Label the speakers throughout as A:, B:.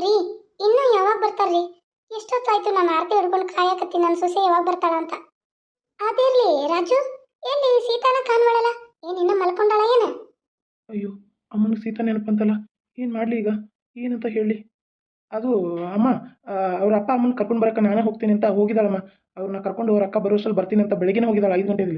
A: ರೀ ಇನ್ನೂ ಯಾವಾಗ ಬರ್ತಾರ್ರಿ? ಎಷ್ಟೊತ್ತಾಯ್ತು ನಾನು ಆರತಿ ಹಿಡ್ಕೊಂಡು ಕಾಯಕತ್ತೀನಿ ನನ್ನ ಸೊಸೆ ಯಾವಾಗ ಬರ್ತಾಳ ಅಂತ. ಅದಿರ್ಲಿ ರಾಜು, ಎಲ್ಲಿ ಸೀತಾನ ಕಾಣ್ವಳಲ್ಲ? ಏನ್ ಇನ್ನ ಮಲ್ಕೊಂಡಾಳ ಏನ?
B: ಅಯ್ಯೋ, ಅಮ್ಮನಿಗೆ ಸೀತಾ ನೆನಪಂತಲ್ಲ. ಏನು ಮಾಡಲಿ ಈಗ? ಏನಂತ ಹೇಳಿ? ಅದು ಅಮ್ಮ, ಅವ್ರ ಅಪ್ಪ ಅಮ್ಮನ ಕರ್ಕೊಂಡು ಬರಕ್ಕೆ ನಾನೇ ಹೋಗ್ತೀನಿ ಅಂತ ಹೋಗಿದ್ದಾಳಮ್ಮ. ಅವ್ರನ್ನ ಕರ್ಕೊಂಡು ಅವ್ರ ಅಕ್ಕ ಬರೋಷ್ಟರಲ್ಲಿ ಬರ್ತೀನಿ ಅಂತ ಬೆಳಗ್ಗೆನೇ ಹೋಗಿದ್ದಾಳೆ 5 ಗಂಟೆಗೆ.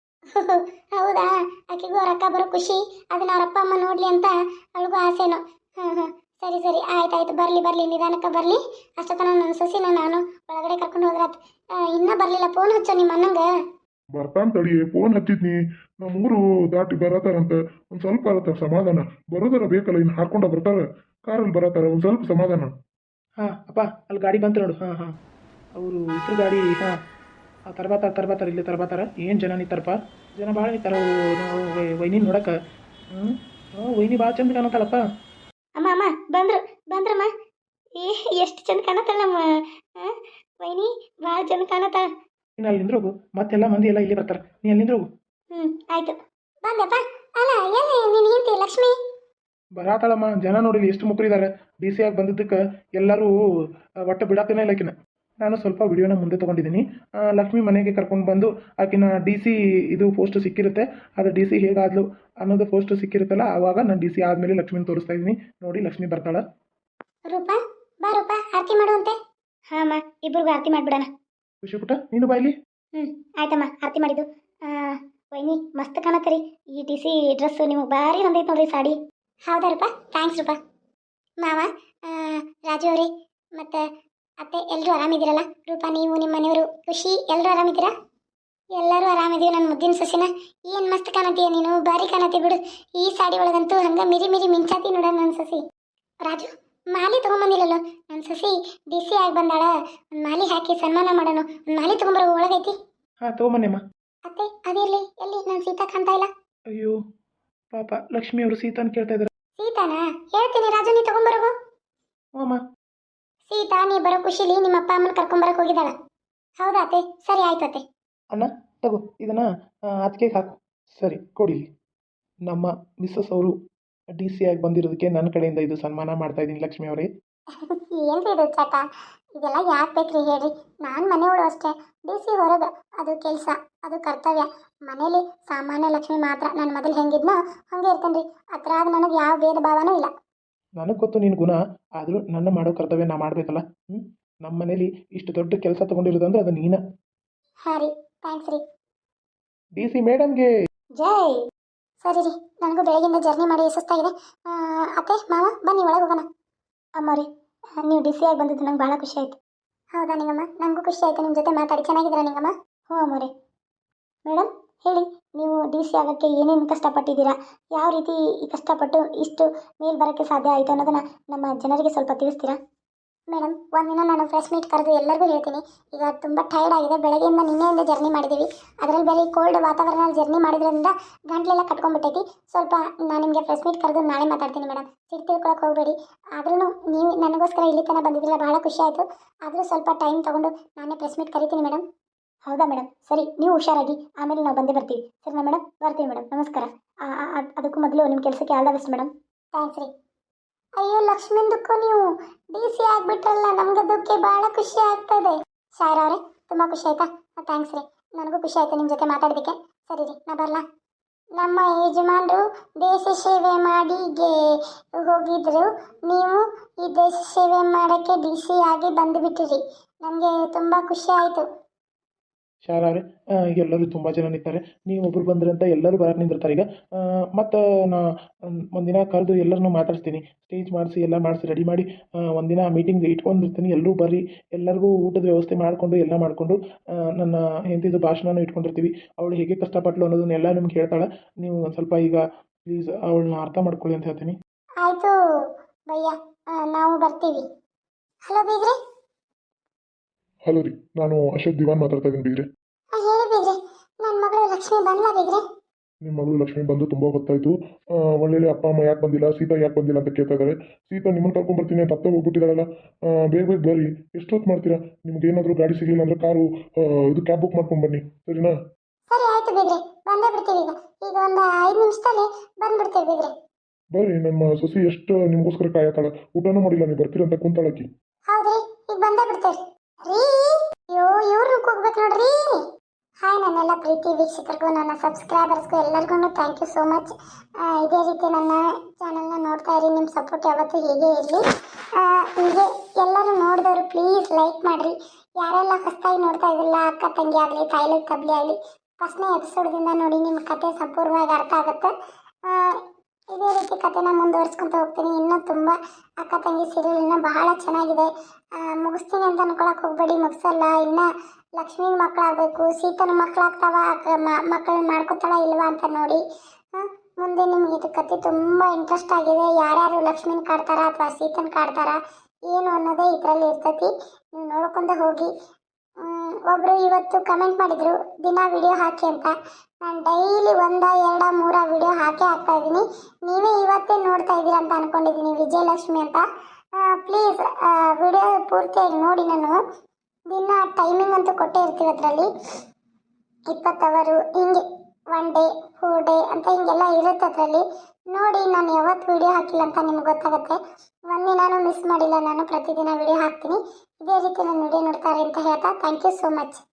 A: ಹೌದಾ? ಆಕೆಗೂ ಅವ್ರ ಅಕ್ಕ ಬರೋ ಖುಷಿ, ಅದನ್ನ ಅವ್ರ ಅಪ್ಪ ಅಮ್ಮ ನೋಡ್ಲಿ ಅಂತ ಅವಳಿಗೂ ಆಸೆನೋ. ಹ್ಮ್, ಸರಿ ಸರಿ, ಆಯ್ತಾಯ್ತು, ಬರ್ಲಿ ಬರ್ಲಿ, ನಿಧಾನಕ್ಕೆ ಬರ್ಲಿ. ಅಷ್ಟೊತ್ತನ ನನ್ನ ಸೊಸಿನ ನಾನು ಒಳಗಡೆ ಕರ್ಕೊಂಡು ಹೋದ್ರಾತ್. ಇನ್ನೂ ಬರ್ಲಿಲ್ಲ, ಫೋನ್ ಹಚ್ಚೋ ನಿಮ್ಮ ಅಣ್ಣಂಗ.
C: ಬರ್ತಾನ್ ತಡಿ, ಫೋನ್ ಹಚ್ಚಿದ್ನಿ. ನಮ್ಮೂರು ದಾಟಿ ಬರತಾರಂತ. ಒಂದ್ ಸ್ವಲ್ಪ ಆಗತ್ತಾರ ಸಮಾಧಾನ. ಬರೋದರ ಬೇಕಲ್ಲ, ಇನ್ನು ಹಾಕೊಂಡ ಬರ್ತಾರ. ಕಾರಲ್ಲಿ ಬರತಾರ, ಒಂದ್ ಸ್ವಲ್ಪ ಸಮಾಧಾನ.
B: ಹಾಂ ಅಪ್ಪ, ಅಲ್ಲಿ ಗಾಡಿ ಬಂತು ನೋಡು. ಹಾಂ ಹಾಂ, ಅವರು ಇದ್ರ ಗಾಡಿ. ಹಾಂ, ತರ್ಬಾತಾರ ಇಲ್ಲಿ ತರ್ಬಾತಾರ. ಏನು ಜನ ನಿಂತಾರಪ್ಪ, ಜನ ಭಾಳ ನಿಂತಾರ. ನಾವು ವೈನಿ ನೋಡಕ್ಕೆ. ವೈನಿ ಭಾಳ ಚಂದ ಕಾಣತ್ತಾಳಪ್ಪ.
A: ಅಮ್ಮ ಅಮ್ಮ, ಬಂದ್ರಮ್ಮ. ಏ ಎಷ್ಟು ಚಂದ ಕಾಣತ್ತಾಳ ನಮ್ಮ ವೈನಿ, ಭಾಳ ಚಂದ ಕಾಣತ್ತಾಳ.
B: ನೀನು ಅಲ್ಲಿ ನಿಂದ್ರೋಗು, ಮತ್ತೆಲ್ಲ ಮಂದಿ ಎಲ್ಲ ಇಲ್ಲಿ ಬರ್ತಾರೆ. ನೀ ಅಲ್ಲಿ ನಿಂದ್ರೋಗು.
A: ಆಯ್ತು, ಬಂದಪ್ಪ. ಅಲ್ಲ, ಎಲ್ಲಿ ನೀನು ಹೆಂಡತಿ ಲಕ್ಷ್ಮಿ?
B: ಬರಾತಾಳಮ್ಮ. ಜನ ನೋಡಿಲಿ ಎಷ್ಟು ಮುಕ್ರಿದ್ದಾರೆ. ಡಿ ಸಿ ಆಗಿ ಬಂದಿದ್ದಕ್ಕೆ ಎಲ್ಲರೂ ಒಟ್ಟು ಬಿಡಾಕನೇ ಇಲ್ಲ ಆಕಿನ. ನಾನು ಸ್ವಲ್ಪ ವಿಡಿಯೋನ ಮುಂದೆ ತೊಗೊಂಡಿದ್ದೀನಿ. ಲಕ್ಷ್ಮಿ ಮನೆಗೆ ಕರ್ಕೊಂಡು ಬಂದು ಆಕಿನ ಡಿ ಸಿ ಇದು ಪೋಸ್ಟ್ ಸಿಕ್ಕಿರುತ್ತೆ. ಅದು ಡಿ ಸಿ ಹೇಗಾದ್ಲು ಅನ್ನೋದು ಪೋಸ್ಟ್ ಸಿಕ್ಕಿರುತ್ತಲ್ಲ, ಆವಾಗ ನಾನು ಡಿ ಸಿ ಆದಮೇಲೆ ಲಕ್ಷ್ಮಿನ ತೋರಿಸ್ತಾ ಇದ್ದೀನಿ. ನೋಡಿ, ಲಕ್ಷ್ಮಿ ಬರ್ತಾಳೆ.
A: ರೂಪಾ, ಬಾ ರೂಪಾ, ಆರತಿ ಮಾಡುವಂತೆ. ಹಾಂ ಅಮ್ಮ, ಇಬ್ಬರಿಗೂ ಆರತಿ ಮಾಡಿಬಿಡೋಣ.
B: ಖುಷಿ ಪುಟ್ಟ, ನೀನು ಬಾಯ್ಲಿ.
A: ಆಯ್ತಮ್ಮ, ಆರತಿ ಮಾಡಿದ್ದು. ವೈನಿ ಮಸ್ತ್ ಕಾಣತ್ತರಿ. ಈ ಡಿ ಸಿ ಡ್ರೆಸ್ ನಿಮಗೆ ಭಾರಿ ಹೊಂದೈತೆ ನೋಡ್ರಿ, ಸಾಡಿ. ಹೌದಾ ರೂಪಾ? ಥ್ಯಾಂಕ್ಸ್ ರೂಪಾ. ಮಾವ, ರಾಜು ಅವರೇ, ಮತ್ತು ಅತ್ತೆ, ಎಲ್ಲರೂ ಆರಾಮಿದ್ದೀರಲ್ಲ? ರೂಪಾ, ನೀವು, ನಿಮ್ಮ ಮನೆಯವರು, ಖುಷಿ, ಎಲ್ಲರೂ ಆರಾಮಿದ್ದೀರಾ? ಎಲ್ಲರೂ ಆರಾಮಿದ್ದೀವಿ. ನನ್ನ ಮುದ್ದಿನ ಸೊಸಿನ ಏನು ಮಸ್ತ್ ಕಾಣತ್ತೀಯ ನೀನು, ಭಾರಿ ಕಾಣತ್ತಿ ಬಿಡು. ಈ ಸಾಡಿ ಒಳಗಂತೂ ಹಂಗೆ ಮಿರಿ ಮಿಂಚಾತಿ ನೋಡ ನನ್ನ ಸೊಸಿ. ರಾಜು, ಮಾಲಿ ತೊಗೊಂಬಂದಿಲ್ಲಲ್ಲ ನನ್ನ ಸೊಸಿ? ಡಿ ಸಿ ಆಗಿ ಬಂದಾಳ, ಒಂದು ಮಾಲಿ ಹಾಕಿ ಸನ್ಮಾನ ಮಾಡೋಣ. ಒಂದು ಮಾಲಿ ತೊಗೊಂಬರೋ ಒಳಗೈತಿ.
B: ಹಾಂ, ತೊಗೊಂಬನ್ನಿಮ್ಮ.
A: ಅತ್ತೆ, ಅದಿರಲಿ, ಎಲ್ಲಿ ನನ್ನ ಸೀತಾ ಕಾಣ್ತಾ ಇಲ್ಲ?
B: ಅಯ್ಯೋ ಪಾಪ, ಲಕ್ಷ್ಮಿ ಅವರು ಸೀತಾನ್ ಕೇಳ್ತಾ ಇದ್ದಾರೆ.
A: ಸೀತಾನ ಹೇಳ್ತೀನಿ ರಾಜು, ನೀ ತೊಗೊಂಬರೋಗು.
B: ಹ್ಞೂ ಅಮ್ಮ.
A: ಸೀತಾ, ನೀ ಬರೋ ಖುಷಿಲಿ ನಿಮ್ಮ ಅಪ್ಪ ಅಮ್ಮನ ಕರ್ಕೊಂಬರಕ್ಕೆ ಹೋಗಿದ್ದಾಳ. ಹೌದಾ ಅತ್ತೆ? ಸರಿ ಆಯ್ತು ಅತ್ತೆ.
B: ಅಣ್ಣ, ತಗೋ ಇದನ್ನು ಅದಕ್ಕೆ ಹಾಕು. ಸರಿ ಕೊಡಿ. ನಮ್ಮ ಮಿಸ್ಸಸ್ ಅವರು ಡಿ ಸಿ ಆಗಿ ಬಂದಿರೋದಕ್ಕೆ ನನ್ನ ಕಡೆಯಿಂದ ಇದು ಸನ್ಮಾನ ಮಾಡ್ತಾ ಇದ್ದೀನಿ ಲಕ್ಷ್ಮಿ ಅವರೇ.
A: ಏನ್ರಿ ಇದು ಚಟ? ಇದೆಲ್ಲ ಯಾಕೆ ಬೇಕ್ರಿ ಹೇಳ್ರಿ? ನಾನು ಮನೆಯವಳು ಅಷ್ಟೇ. ಡಿ ಸಿ ಹೊರಗೆ, ಅದು ಕೆಲಸ, ಅದು ಕರ್ತವ್ಯ. ಮನೇಲಿ ಸಾಮಾನ್ಯ ಲಕ್ಷ್ಮಿ ಮಾತ್ರ. ನಾನು ಮೊದಲು ಹೆಂಗಿದ್ನೋ ಹಂಗೆ ಇರ್ತೇನೆ ರೀ. ಅದ್ರಾಗ ನನಗೆ ಯಾವ ಭೇದ ಭಾವನೂ ಇಲ್ಲ.
B: ನನಗೆ ಗೊತ್ತು ನಿನ್ನ ಗುಣ, ಆದರೂ ನನ್ನ ಮಾಡೋ ಕರ್ತವ್ಯ ನಾ ಮಾಡಬೇಕಲ್ಲ. ನಮ್ಮ ಮನೇಲಿ ಇಷ್ಟು ದೊಡ್ಡ ಕೆಲಸ ತೊಗೊಂಡಿರೋದು ಅಂದರೆ ಅದು ನೀನ.
A: ಹಾಂ ರೀ, ಥ್ಯಾಂಕ್ಸ್ ರೀ.
B: ಡಿ ಸಿ ಮೇಡಮ್ಗೆ
A: ಜೈ. ಸರಿ ರೀ, ನನಗೂ ಬೆಳಗಿಂದ ಜರ್ನಿ ಮಾಡಿ ಸುಸ್ತಾಗಿದೆ. ಅತ್ತೆ, ಮಾವ, ಬನ್ನಿ ಒಳಗೆ ಹೋಗೋಣ. ಅಮ್ಮ ರೀ, ನೀವು ಡಿ ಸಿ ಆಗಿ ಬಂದಿದ್ದು ನಂಗೆ ಭಾಳ ಖುಷಿ ಆಯಿತು. ಹೌದಾ ನಿಂಗಮ್ಮ? ನನಗೂ ಖುಷಿ ಆಯಿತು ನಿಮ್ಮ ಜೊತೆ ಮಾತಾಡಿ. ಚೆನ್ನಾಗಿದ್ದೀರಾ ನಿಂಗಮ್ಮ? ಹ್ಞೂ ಅಮ್ಮ ರೀ. ಮೇಡಮ್ ಹೇಳಿ, ನೀವು ಡಿ ಸಿ ಆಗೋಕ್ಕೆ ಏನೇನು ಕಷ್ಟಪಟ್ಟಿದ್ದೀರಾ? ಯಾವ ರೀತಿ ಕಷ್ಟಪಟ್ಟು ಇಷ್ಟು ಮೇಲೆ ಬರೋಕ್ಕೆ ಸಾಧ್ಯ ಆಯಿತು ಅನ್ನೋದನ್ನು ನಮ್ಮ ಜನರಿಗೆ ಸ್ವಲ್ಪ ತಿಳಿಸ್ತೀರಾ? ಮೇಡಮ್, ಒಂದಿನ ನಾನು ಫ್ರೆಶ್ ಮೀಟ್ ಕರೆದು ಎಲ್ಲರಿಗೂ ಹೇಳ್ತೀನಿ. ಈಗ ತುಂಬ ಟೈರ್ಡ್ ಆಗಿದೆ, ಬೆಳಗ್ಗೆಯಿಂದ ನಿನ್ನೆಯಿಂದ ಜರ್ನಿ ಮಾಡಿದ್ದೀವಿ. ಅದರಲ್ಲಿ ಬೇರೆ ಕೋಲ್ಡ್ ವಾತಾವರಣದಲ್ಲಿ ಜರ್ನಿ ಮಾಡಿದ್ರಿಂದ ಗಂಟ್ಲೆಲ್ಲ ಕಟ್ಕೊಂಡ್ಬಿಟ್ಟೈತಿ. ಸ್ವಲ್ಪ ನಾನು ನಿಮಗೆ ಫ್ರೆಶ್ ಮೀಟ್ ಕರೆದು ನಾಳೆ ಮಾತಾಡ್ತೀನಿ ಮೇಡಮ್. ಸಿಟ್ಟು ತಿಳ್ಕೊಳಕ್ಕೆ ಹೋಗಬೇಡಿ. ಆದ್ರೂ ನೀವು ನನಗೋಸ್ಕರ ಇಲ್ಲಿ ತನಕ ಬಂದಿದ್ದಿಲ್ಲ, ಭಾಳ ಖುಷಿ ಆಯಿತು. ಆದರೂ ಸ್ವಲ್ಪ ಟೈಮ್ ತೊಗೊಂಡು ನಾನೇ ಫ್ರೆಶ್ ಮೀಟ್ ಕರಿತೀನಿ ಮೇಡಮ್. ಹೌದಾ ಮೇಡಮ್? ಸರಿ, ನೀವು ಹುಷಾರಾಗಿ, ಆಮೇಲೆ ನಾವು ಬಂದೇ ಬರ್ತೀವಿ. ಸರಿನಾ ಮೇಡಮ್? ಬರ್ತೀವಿ ಮೇಡಮ್, ನಮಸ್ಕಾರ. ಅದಕ್ಕೂ ಮೊದಲು ನಿಮ್ಮ ಕೆಲಸಕ್ಕೆ all the best madam. Thanks ರೀ. ಅಯ್ಯೋ ಲಕ್ಷ್ಮಿಂದಕ್ಕೂ ನೀವು ಡಿ ಸಿ ಆಗಿಬಿಟ್ರಲ್ಲ, ನಮಗದಕ್ಕೆ ಭಾಳ ಖುಷಿ ಆಗ್ತದೆ. ಶಾಯರ ಅವರೇ, ತುಂಬ ಖುಷಿ ಆಯ್ತಾ? ಥ್ಯಾಂಕ್ಸ್ ರೀ, ನನಗೂ ಖುಷಿ ಆಯಿತು ನಿಮ್ಮ ಜೊತೆ ಮಾತಾಡೋದಕ್ಕೆ. ಸರಿ ರೀ, ನಾ ಬರಲಾ? ನಮ್ಮ ಯಜಮಾನರು ದೇಶ ಸೇವೆ ಮಾಡಿಗೆ ಹೋಗಿದ್ರು, ನೀವು ಈ ದೇಶ ಸೇವೆ ಮಾಡೋಕ್ಕೆ ಡಿ ಸಿ ಆಗಿ ಬಂದುಬಿಟ್ಟಿರಿ. ನನಗೆ ತುಂಬ ಖುಷಿ ಆಯಿತು.
B: ಶಾರ ಅವರೇ, ಎಲ್ಲರೂ ತುಂಬ ಜನ ನಿಂತಾರೆ. ನೀವು ಒಬ್ರು ಬಂದ್ರಿ ಅಂತ ಎಲ್ಲರೂ ಬರಕ್ಕೆ ನಿಂದಿರ್ತಾರೆ ಈಗ. ಮತ್ತು ನಾ ಒಂದಿನ ಕರೆದು ಎಲ್ಲರನ್ನೂ ಮಾತಾಡಿಸ್ತೀನಿ. ಸ್ಟೇಜ್ ಮಾಡಿಸಿ ಎಲ್ಲ ಮಾಡಿಸಿ ರೆಡಿ ಮಾಡಿ ಒಂದಿನ ಮೀಟಿಂಗ್ ಇಟ್ಕೊಂಡಿರ್ತೀನಿ. ಎಲ್ಲರೂ ಬರ್ರಿ, ಎಲ್ಲರಿಗೂ ಊಟದ ವ್ಯವಸ್ಥೆ ಮಾಡಿಕೊಂಡು ಎಲ್ಲ ಮಾಡಿಕೊಂಡು ನನ್ನ ಹೆಂಡತಿದು ಭಾಷಣನೂ ಇಟ್ಕೊಂಡಿರ್ತೀವಿ. ಅವಳು ಹೇಗೆ ಕಷ್ಟಪಟ್ಟಳು ಅನ್ನೋದನ್ನೆಲ್ಲ ನಿಮ್ಗೆ ಹೇಳ್ತಾಳೆ. ನೀವು ಒಂದು ಸ್ವಲ್ಪ ಈಗ ಪ್ಲೀಸ್ ಅವಳನ್ನ ಅರ್ಥ ಮಾಡ್ಕೊಳ್ಳಿ ಅಂತ ಹೇಳ್ತೀನಿ.
A: ಆಯಿತು ಭಯ್ಯ, ನಾವು ಬರ್ತೀವಿ. ಹಲೋ ಬೀಗ್ರೆ.
C: ಹಲೋ ರೀ, ನಾನು ಅಶೋಕ್ ದಿವಾನ್ ಮಾತಾಡ್ತಾ ಇದ್ದೀನಿ ಬೀಗ್ರೆ.
A: ಹೇಳಿ ಬೀಗ್ರೆ, ನನ್ನ ಮಗಳು ಲಕ್ಷ್ಮಿ ಬಂದ್ಲಾ ಬೀಗ್ರೆ?
C: ನಿಮ್ಮ ಮಗಳು ಲಕ್ಷ್ಮಿ ಬಂದು ತುಂಬ ಹೊತ್ತಾಯಿತು. ಒಳ್ಳೆ ಅಪ್ಪ ಅಮ್ಮ ಯಾಕೆ ಬಂದಿಲ್ಲ, ಸೀತಾ ಯಾಕೆ ಬಂದಿಲ್ಲ ಅಂತ ಕೇಳ್ತಾ ಇದ್ದಾರೆ. ಸೀತಾ ನಿಮ್ಮನ್ನು ಕರ್ಕೊಂಡ್ಬರ್ತೀನಿ ಅಂತ ಅತ್ತೆ ಹೋಗ್ಬಿಟ್ಟಿದ್ದಾರಲ್ಲ. ಬೇಗ ಬೇಗ ಬರ್ರಿ. ಎಷ್ಟೊತ್ತು ಮಾಡ್ತೀರಾ? ನಿಮ್ಗೆ ಏನಾದರೂ ಗಾಡಿ ಸಿಗಲಿಲ್ಲ ಅಂದರೆ ಕಾರು ಇದು ಕ್ಯಾಬ್ ಬುಕ್ ಮಾಡ್ಕೊಂಡು ಬನ್ನಿ, ಸರಿನಾ?
A: ಸರಿ ಆಯಿತು ಬೀಗ್ರೆ, ಬಂದೇ ಬಿಡ್ತೀವಿ. ಈಗ ಒಂದು 5 ನಿಮಿಷದಲ್ಲಿ ಬಂದ್ಬಿಡ್ತೀವಿ ಬೀಗ್ರೆ.
C: ಬರ್ರಿ, ನಮ್ಮ ಸೊಸಿ ಎಷ್ಟು ನಿಮಗೋಸ್ಕರ ಕಾಯತಾಳ. ಊಟನೂ ಮಾಡಿಲ್ಲ, ನೀವು ಬರ್ತೀರಂತ ಕುಂತಾಳಕಿ.
A: ಹೌದ್ರಿ, ಈಗ ಬಂದೇ ಬಿಡ್ತೇವ್ರಿ. ರೀ, ಅಯ್ಯೋ ಇವ್ರು ಹೋಗ್ಬೇಕು ನೋಡ್ರಿ. ಹಾಯ್ ನನ್ನೆಲ್ಲ ಪ್ರೀತಿ ವೀಕ್ಷಕರಿಗೂ ನನ್ನ ಸಬ್ಸ್ಕ್ರೈಬರ್ಸ್ಗೂ ಎಲ್ಲರಿಗೂ ಥ್ಯಾಂಕ್ ಯು ಸೋ ಮಚ್. ಇದೇ ರೀತಿ ನನ್ನ ಚಾನಲ್ನ ನೋಡ್ತಾ ಇರಿ. ನಿಮ್ಮ ಸಪೋರ್ಟ್ ಯಾವತ್ತೂ ಹೀಗೆ ಇರಲಿ. ಹೀಗೆ ಎಲ್ಲರೂ ನೋಡಿದವರು ಪ್ಲೀಸ್ ಲೈಕ್ ಮಾಡಿರಿ. ಯಾರೆಲ್ಲ ಹೊಸದಾಗಿ ನೋಡ್ತಾ ಇದ್ದಿಲ್ಲ, ಅಕ್ಕ ತಂಗಿ ಆಗಲಿ ತಾಯಿಲಿ ತಬ್ಲಿ ಆಗಲಿ, ಫಸ್ಟ್ನೇ ಎಪಿಸೋಡ್ದಿಂದ ನೋಡಿ, ನಿಮ್ಮ ಕತೆ ಸಂಪೂರ್ಣವಾಗಿ ಅರ್ಥ ಆಗುತ್ತೆ. ಆ, ಇದೇ ರೀತಿ ಕತೆನ ಮುಂದುವರ್ಸ್ಕೊತ ಹೋಗ್ತೀನಿ. ಇನ್ನೂ ತುಂಬ ಅಕ್ಕ ತಂಗಿ ಸೀರಿಯಲ್ ಇನ್ನೂ ಬಹಳ ಚೆನ್ನಾಗಿದೆ. ಮುಗಿಸ್ತೀನಿ ಅಂತ ಅನ್ಕೊಳಕ್ಕೆ ಹೋಗ್ಬೇಡಿ, ಮುಗಿಸಲ್ಲ. ಇನ್ನು ಲಕ್ಷ್ಮೀ ಮಕ್ಕಳಾಗಬೇಕು, ಸೀತನ ಮಕ್ಕಳಾಗ್ತಾವ, ಮಕ್ಕಳನ್ನ ಮಾಡ್ಕೊತಾಳ ಇಲ್ವಾ ಅಂತ ನೋಡಿ. ಮುಂದೆ ನಿಮ್ಗೆ ಇದು ಕತೆ ತುಂಬ ಇಂಟ್ರೆಸ್ಟ್ ಆಗಿದೆ. ಯಾರ್ಯಾರು ಲಕ್ಷ್ಮೀನ ಕಾಡ್ತಾರ ಅಥವಾ ಸೀತನ ಕಾಡ್ತಾರ ಏನು ಅನ್ನೋದೇ ಇದರಲ್ಲಿ ಇರ್ತೈತಿ. ನೀವು ನೋಡ್ಕೊಂಡೆ ಹೋಗಿ. ಒಬ್ಬರು ಇವತ್ತು ಕಮೆಂಟ್ ಮಾಡಿದರು ದಿನ ವಿಡಿಯೋ ಹಾಕಿ ಅಂತ. ನಾನು ಡೈಲಿ 1, 2, 3 ವಿಡಿಯೋ ಹಾಕ್ತಾ ಇದ್ದೀನಿ. ನೀವೇ ಇವತ್ತೇ ನೋಡ್ತಾ ಇದ್ದೀರಾ ಅಂತ ಅಂದ್ಕೊಂಡಿದ್ದೀನಿ, ವಿಜಯಲಕ್ಷ್ಮಿ ಅಂತ. ಪ್ಲೀಸ್ ವಿಡಿಯೋ ಪೂರ್ತಿಯಾಗಿ ನೋಡಿ. ನಾನು ದಿನ ಟೈಮಿಂಗ್ ಅಂತೂ ಕೊಟ್ಟೇ ಇರ್ತೀವಿ, ಅದರಲ್ಲಿ 20 ಅವರು ಹಿಂಗೆ 1 ಡೇ 4 ಡೇ ಅಂತ ಹಿಂಗೆಲ್ಲ ಇರುತ್ತೆ. ಅದರಲ್ಲಿ ನೋಡಿ, ನಾನು ಯಾವತ್ತು ವಿಡಿಯೋ ಹಾಕಿಲ್ಲ ಅಂತ ನಿಮ್ಗೆ ಗೊತ್ತಾಗುತ್ತೆ. ಒಂದಿನಾನು ಮಿಸ್ ಮಾಡಿಲ್ಲ, ನಾನು ಪ್ರತಿದಿನ ವಿಡಿಯೋ ಹಾಕ್ತೀನಿ. ಇದೇ ರೀತಿ ನಾನು ವಿಡಿಯೋ ನೋಡ್ತಾರೆ ಅಂತ ಹೇಳ್ತಾ ಥ್ಯಾಂಕ್ ಯು ಸೋ ಮಚ್.